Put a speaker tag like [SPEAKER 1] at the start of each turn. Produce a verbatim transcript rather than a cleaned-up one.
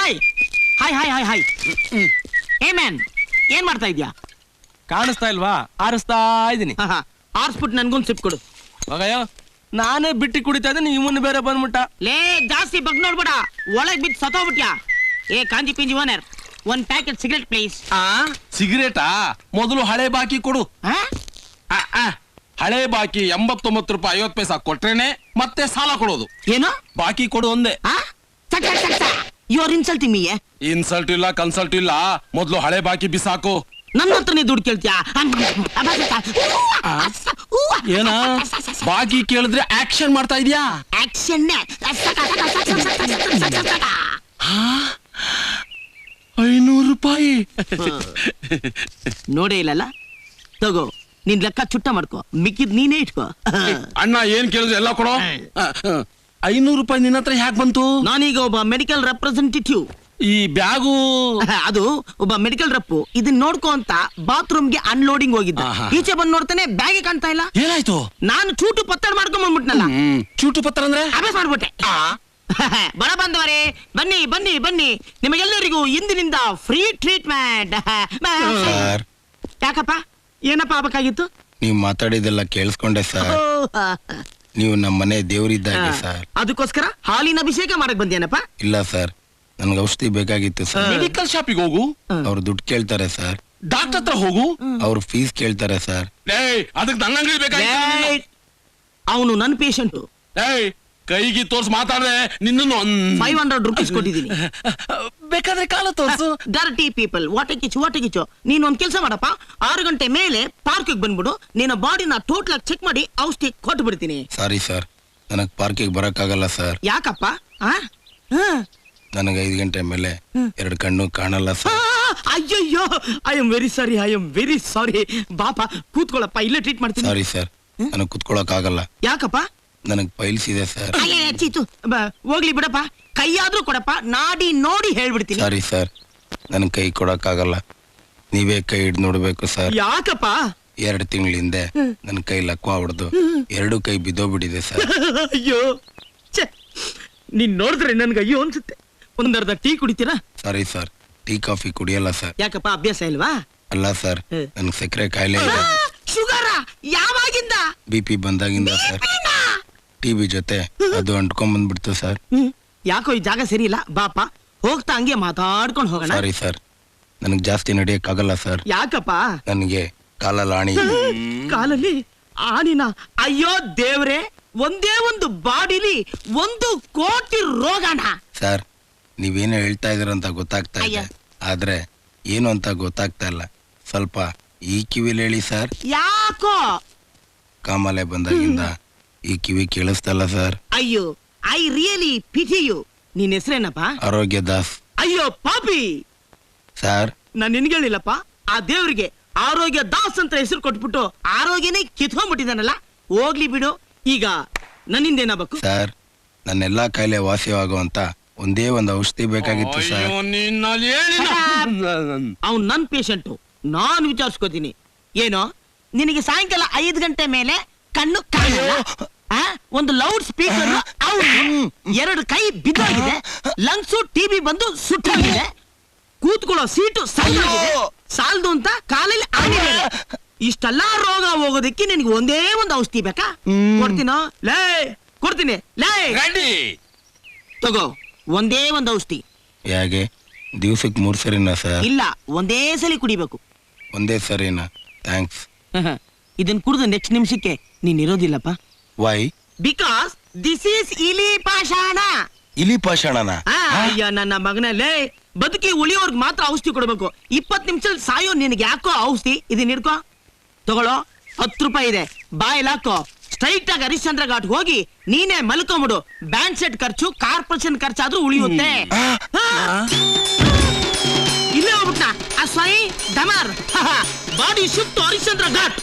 [SPEAKER 1] Hi hi hi hi hi ಏ man ಏನ್ ಮಾಡ್ತಾ ಇದ್ಯಾ?
[SPEAKER 2] ಕಾಣಿಸ್ತಾ ಇಲ್ವಾ? ಆರಿಸ್ತಾ ಇದೀನಿ.
[SPEAKER 1] ಆರ್ಸ್ಬಿಟ್ಟು ನನ್ಗೊಂದು ಸಿಪ್ ಕೊಡು.
[SPEAKER 2] ಮಗಯ್ಯ ನಾನೇ ಬಿಟ್ಟಿ ಕುಡಿತಾ ಇದ್ದೆ, ಇವನು ಬೇರೆ ಬಂದ್ಬಿಟ್ಟ.
[SPEAKER 1] ಲೇ ಜಾಸ್ತಿ ಬಗ್ ನೋಡ್ಬೇಡ, ಒಳಗ್ ಬಿದ್ದು ಸತ್ತೋಗ್ಬಿಟ್ಯಾ. ಏ ಕಾಂಜಿ ಪಿಂಜಿ ಓನರ್, ಒಂದ್ ಪ್ಯಾಕೆಟ್ ಸಿಗರೆಟ್ ಪ್ಲೀಸ್.
[SPEAKER 2] ಆ ಸಿಗರೇಟಾ? ಮೊದಲು ಹಳೆ ಬಾಕಿ ಕೊಡು. ಹಳೆ ಬಾಕಿ ಎಂಬತ್ತೊಂಬತ್ತು ರೂಪಾಯಿ ಐವತ್ತು ಪೈಸಾ ಕೊಟ್ರೇನೆ ಮತ್ತೆ ಸಾಲ ಕೊಡೋದು.
[SPEAKER 1] ಏನು
[SPEAKER 2] ಬಾಕಿ ಕೊಡು ಒಂದೇ.
[SPEAKER 1] You are insulting me.
[SPEAKER 2] Insult ಇಲ್ಲ ಕನ್ಸಲ್ಟ್ ಇಲ್ಲ, ಮೊದಲು ಹಳೆ ಬಾಕಿ ಬಿಸಾಕು.
[SPEAKER 1] ನನ್ನ ಹತ್ರನೇ ದುಡ್ಡು ಕೇಳ್ತೀಯಾ?
[SPEAKER 2] ಏನ ಬಾಕಿ ಕೇಳಿದ್ರೆ ಆಕ್ಷನ್ ಮಾಡ್ತಾ ಇದೀಯಾ?
[SPEAKER 1] ಆಕ್ಷನ್
[SPEAKER 2] ಐನೂರು ರೂಪಾಯಿ
[SPEAKER 1] ನೋಡೇ ಇಲ್ಲಲ್ಲ, ತಗೋ ನಿನ್ ಲೆಕ್ಕ ಚುಟ್ಟ ಮಾಡ್ಕೋ, ಮಿಕ್ಕಿದ್ ನೀನೇ ಇಟ್ಕೋ.
[SPEAKER 2] ಅಣ್ಣ ಏನ್ ಕೇಳಿದ್ರೆ ಎಲ್ಲ ಕೊಡೋ. ಐನೂರು ರೂಪಾಯಿ ನಿನ್ನ ಹತ್ರ ಹ್ಯಾಕ್ ಬಂತು?
[SPEAKER 1] ನಾನೀಗ ಒಬ್ಬ ಮೆಡಿಕಲ್ ರೆಪ್ರೆಸೆಂಟೇಟಿವ್.
[SPEAKER 2] ಈ ಬ್ಯಾಗು
[SPEAKER 1] ಅದು ಒಬ್ಬ ಮೆಡಿಕಲ್ ರಪ್ಪು ಇದನ್ನ ನೋಡ್ಕೋ ಅಂತ ಬಾತ್ರೂಮ್ಗೆ ಅನ್ಲೋಡಿಂಗ್ ಹೋಗಿದ್ದ. ಈಚೆ ಬಂದ್ ನೋಡ್ತಾನೆ ಬ್ಯಾಗೆ ಕಾಣ್ತಾ ಇಲ್ಲ.
[SPEAKER 2] ಏನಾಯ್ತು?
[SPEAKER 1] ನಾನು ಚೂಟು ಪತ್ತಡ ಮಾಡ್ಕೊಂಡ್ ಬಂದ್ಬಿಟ್ನಲ್ಲ.
[SPEAKER 2] ಚೂಟು ಪತ್ರ ಅಂದ್ರೆ
[SPEAKER 1] ಅಭ್ಯಾಸ ಮಾಡ್ಬಿಟ್ಟೆ. ಬಡ ಬಂದವರೇ ಬನ್ನಿ ಬನ್ನಿ ಬನ್ನಿ, ನಿಮಗೆಲ್ಲರಿಗೂ ಇಂದಿನಿಂದ ಫ್ರೀ ಟ್ರೀಟ್ಮೆಂಟ್. ಯಾಕಪ್ಪ ಏನಪ್ಪ ಆಗ್ಬೇಕಾಗಿತ್ತು?
[SPEAKER 3] ನೀವು ಮಾತಾಡಿದೆಲ್ಲ ಕೇಳಿಸ್ಕೊಂಡೆ ಸರ್. ನೀವು ನಮ್ಮ ಮನೆ ದೇವರಿದ್ದಾಗೆ ಸರ್.
[SPEAKER 1] ಅದಕ್ಕೋಸ್ಕರ ಹಾಲಿನ ಅಭಿಷೇಕ ಮಾಡಕ್ ಬಂದೇನಪ್ಪ?
[SPEAKER 3] ಇಲ್ಲ ಸರ್, ನನ್ಗೆ ಔಷಧಿ ಬೇಕಾಗಿತ್ತು ಸರ್.
[SPEAKER 2] ಮೆಡಿಕಲ್ ಶಾಪಿಗೆ ಹೋಗು,
[SPEAKER 3] ಅವ್ರು ದುಡ್ಡು ಕೇಳ್ತಾರೆ ಸರ್.
[SPEAKER 2] ಡಾಕ್ಟರ್ ಹತ್ರ ಹೋಗು,
[SPEAKER 3] ಅವ್ರು ಫೀಸ್ ಕೇಳ್ತಾರೆ ಸರ್.
[SPEAKER 2] ಅದಕ್ಕೆ ನನ್ನ ಅಂಗಡಿ ಬೇಕಾಗಿತ್ತು.
[SPEAKER 1] ಅವನು ನನ್ನ ಪೇಷಂಟ್.
[SPEAKER 2] ಕೈಗೆ ತೋರ್ಸ್ ಮಾತಾಡ್ದೆ ನಿನ್ನನ್ನು
[SPEAKER 1] ಫೈವ್ ಹಂಡ್ರೆಡ್ ರುಪೀಸ್ ಕೊಟ್ಟಿದ್ದೀನಿ.
[SPEAKER 2] ಬೇಕಾದ್ರೆ ಕಾಲ ತೋರ್ಸು.
[SPEAKER 1] ಡರ್ಟಿ ಪೀಪಲ್, ವಾಟೆ ಕಿಚ್ಚು ವಾಟೆ ಕಿಚ್ಚು. ನೀನ್ ಒಂದ್ ಕೆಲ್ಸ ಮಾಡಪ್ಪ, ಆರು ಗಂಟೆ ಮೇಲೆ ಪಾರ್ಕಿಗೆ ಬಂದ್ಬಿಡು, ನಿನ್ನ ಬಾಡಿನ ಟೋಟಲ್ ಆಗಿ ಚೆಕ್ ಮಾಡಿ ಔಷಧಿ ಕೊಟ್ಟು ಬಿಡ್ತೀನಿ.
[SPEAKER 3] ಸಾರಿ ಸರ್, ನನಗ್ ಪಾರ್ಕಿಗೆ ಬರಕ್ಕಾಗಲ್ಲ ಸರ್.
[SPEAKER 1] ಯಾಕಪ್ಪ?
[SPEAKER 3] ನನಗೆ ಐದು ಗಂಟೆ ಮೇಲೆ ಎರಡು ಕಣ್ಣು ಕಾಣಲ್ಲ ಸರ್.
[SPEAKER 1] ಅಯ್ಯಯ್ಯೋ, I am very sorry, I am very sorry. ಬಾಪ ಕೂತ್ಕೊಳ್ಳಪ್ಪ, ಇಲ್ಲೇ ಟ್ರೀಟ್ ಮಾಡ್ತೀನಿ.
[SPEAKER 3] ಸಾರಿ ಸರ್, ನನಗ್ ಕುತ್ಕೊಳಕ್ ಆಗಲ್ಲ.
[SPEAKER 1] ಯಾಕಪ್ಪ?
[SPEAKER 3] ನನಗ್ ಪೈಲ್ಸ್ ಇದೆ ಸರ್.
[SPEAKER 1] ಚೀತು ಹೋಗ್ಲಿ ಬಿಡಪ್ಪ, ಕೈಯಾದ್ರೂ ಕೊಡಪ್ಪ, ನಾಡಿ ನೋಡಿ ಹೇಳ್ಬಿಡ್ತೀನಿ.
[SPEAKER 3] ಸಾರಿ ಸರ್, ನನ್ ಕೈ ಕೊಡಕ್ ಆಗಲ್ಲ, ನೀವೇ ಕೈ ಹಿಡ್ದು ನೋಡ್ಬೇಕು ಸರ್.
[SPEAKER 1] ಯಾಕಪ್ಪ?
[SPEAKER 3] ಎರಡು ತಿಂಗಳ ಹಿಂದೆ ನನ್ ಕೈ ಲಕ್ವ ಹೊಡೆದು ಎರಡು ಕೈ ಬಿದ್ದೋಗ್ಬಿಟ್ಟಿದೆ ಸರ್.
[SPEAKER 1] ಅಯ್ಯೋ ನೀನ್ ನೋಡಿದ್ರೆ ನನ್ಗೆ ಅಯ್ಯೋ ಅನ್ಸುತ್ತೆ. ಒಂದರ್ಧ ಟೀ ಕುಡಿತೀರಾ?
[SPEAKER 3] ಸಾರಿ ಸರ್, ಟೀ ಕಾಫಿ ಕುಡಿಯಲ್ಲ ಸರ್.
[SPEAKER 1] ಯಾಕಪ್ಪ, ಅಭ್ಯಾಸ ಇಲ್ವಾ?
[SPEAKER 3] ಅಲ್ಲ ಸರ್, ನನ್ ಸಕ್ಕರೆ ಕಾಯಿಲೆ ಇದೆ.
[SPEAKER 1] ಶುಗರ? ಯಾವಾಗಿಂದ?
[SPEAKER 3] ಬಿ ಪಿ ಬಂದಾಗಿಂದ ಸರ್. ಟಿವಿ ಜೊತೆ ಅದು ಅಂಟ್ಕೊಂಡ್ ಬಂದ್ಬಿಡ್ತು ಸರ್.
[SPEAKER 1] ಯಾಕೋ ಈ ಜಾಗ ಸರಿ ಇಲ್ಲ, ಬಾಪ ಹೋಗ್ತಾ ಹಂಗೆ ಮಾತಾಡ್ಕೊಂಡು ಹೋಗೋಣ.
[SPEAKER 3] ಸಾರಿ ಸರ್, ನನಗ್ ಜಾಸ್ತಿ ನಡೆಯಕ್ ಆಗಲ್ಲ ಸರ್.
[SPEAKER 1] ಯಾಕಪ್ಪ?
[SPEAKER 3] ನನಗೆ ಕಾಲಲ್ಲಿ ಆಣಿ.
[SPEAKER 1] ಕಾಲಲ್ಲಿ ಆಣಿನ? ಅಯ್ಯೋ ದೇವ್ರೆ, ಒಂದೇ ಒಂದು ಬಾಡಿಲಿ ಒಂದು ಕೋಟಿ ರೋಗಣ.
[SPEAKER 3] ಸರ್, ನೀವೇನೋ ಹೇಳ್ತಾ ಇದೀರಂತ ಗೊತ್ತಾಗ್ತಾ ಇದೆ, ಆದ್ರೆ ಏನು ಅಂತ ಗೊತ್ತಾಗ್ತಾ ಇಲ್ಲ. ಸ್ವಲ್ಪ ಈ ಕಿವಿಲಿ ಹೇಳಿ ಸರ್.
[SPEAKER 1] ಯಾಕೋ?
[SPEAKER 3] ಕಾಮಾಲೆ ಬಂದಾಗಿಂದ ಈ ಕಿವಿ ಕೇಳಿಸ್ತಲ್ಲ ಸರ್.
[SPEAKER 1] ಅಯ್ಯೋ, ಐ ರಿಯಲಿ ಪಿಟಿ ಯು. ನಿನ್ ಹೆಸರೇನಪ್ಪ?
[SPEAKER 3] ಆರೋಗ್ಯ ದಾಸ್.
[SPEAKER 1] ಅಯ್ಯೋ ಪಾಪಿ
[SPEAKER 3] ಸರ್,
[SPEAKER 1] ನಾನ್ ನಿನ್ಗಳಿಲ್ಲಪ್ಪ, ಆ ದೇವ್ರಿಗೆ ಆರೋಗ್ಯ ದಾಸ್ ಅಂತ ಹೆಸರು ಕೊಟ್ಬಿಟ್ಟು ಆರೋಗ್ಯನೇ ಕಿತ್ಕೊಂಡ್ಬಿಟ್ಟಿದಾನಲ್ಲ. ಹೋಗ್ಲಿ ಬಿಡು, ಈಗ ನನ್ನಿಂದೇನಾಗಬೇಕು?
[SPEAKER 3] ಸರ್, ನನ್ನೆಲ್ಲಾ ಕಾಯಿಲೆ ವಾಸಿಯಾಗುವಂತ ಒಂದೇ ಒಂದು ಔಷಧಿ ಬೇಕಾಗಿತ್ತು ಸರ್.
[SPEAKER 1] ಅವ್ನು ನನ್ ಪೇಷಂಟು, ನಾನ್ ವಿಚಾರಿಸ್ಕೋತೀನಿ. ಏನೋ ನಿನಗೆ ಸಾಯಂಕಾಲ ಐದು ಗಂಟೆ ಮೇಲೆ ಕಣ್ಣು ಕಾಣಲ್ಲ, ಒಂದು ಲೌಡ್ ಸ್ಪೀಕರ್, ಎರಡು ಕೈ ಬಿದ್ದೋಗಿದೆ, ಲಂಗ್ಸು ಟಿಬಿ ಬಂದು ಸುಟ್ಟಾಗಿದೆ, ಕೂತ್ಕೊಳ್ಳೋ ಸೀಟು ಸಾಲಾಗಿದೆ, ಸಾಲದು ಅಂತ ಕಾಲಲ್ಲಿ ಆಗಿದೆ. ಇಷ್ಟೆಲ್ಲಾ ರೋಗ ಹೋಗೋದಕ್ಕೆ ನಿನಗೆ ಒಂದೇ ಒಂದು ಔಷಧಿ ಬೇಕಾ? ಕೊಡ್ತೀನೋ? ಲೇ ಕೊಡ್ತೀನಿ, ಲೇ ತಗೋ ಒಂದೇ ಒಂದು ಔಷಧಿ.
[SPEAKER 3] ಹೇಗೆ? ದಿವ್ಸಕ್ಕೆ ಮೂರ್ ಸರಿನಾ ಸರ್?
[SPEAKER 1] ಇಲ್ಲ, ಒಂದೇ ಸಲಿ ಕುಡಿಬೇಕು.
[SPEAKER 3] ಒಂದೇ ಸರಿನಾ? ಥ್ಯಾಂಕ್ಸ್.
[SPEAKER 1] ಇದನ್ ಕುಡಿದು ನೆಕ್ಸ್ಟ್ ನಿಮಿಷಕ್ಕೆ ನೀನ್ ಇರೋದಿಲ್ಲಪ್ಪ.
[SPEAKER 3] ವೈ?
[SPEAKER 1] ಬಿಕಾಸ್ ದಿಸ್ ಈಸ್ ಇಲಿ ಪಾಷಾಣ.
[SPEAKER 3] ಇಲಿ ಪಾಷಾಣನ?
[SPEAKER 1] ಅಯ್ಯ ನನ್ನ ಮಗನಲ್ಲೇ, ಬದುಕಿ ಉಳಿಯೋರ್ಗ್ ಮಾತ್ರ ಔಷಧಿ ಕೊಡ್ಬೇಕು. ಇಪ್ಪತ್ ನಿಮಿಷ ಸಾಯೋ ನಿನಗೆ ಯಾಕೋ ಔಷಧಿ? ಇದನ್ನ ಹಿಡ್ಕೋ, ತಗೊಳ್ಳೋ, ಹತ್ತು ರೂಪಾಯಿ ಇದೆ, ಬಾಯಲ್ಲಿ ಹಾಕೋ, ಸ್ಟ್ರೈಟ್ ಆಗಿ ಹರಿಶ್ಚಂದ್ರ ಘಾಟ್ ಹೋಗಿ ನೀನೇ ಮಲ್ಕೊಂಬಿಡು. ಬ್ಯಾಂಡ್ ಸೆಟ್ ಖರ್ಚು, ಕಾರ್ಪೊರೇಷನ್ ಖರ್ಚಾದ್ರೂ ಉಳಿಯುತ್ತೆ. ಇಲ್ಲೇ ಹೋಗ್ಬಿಟ್ಟ ಆ ಸ್ವೈ ಡಮಾರ್. Body shift Harishchandra ghat.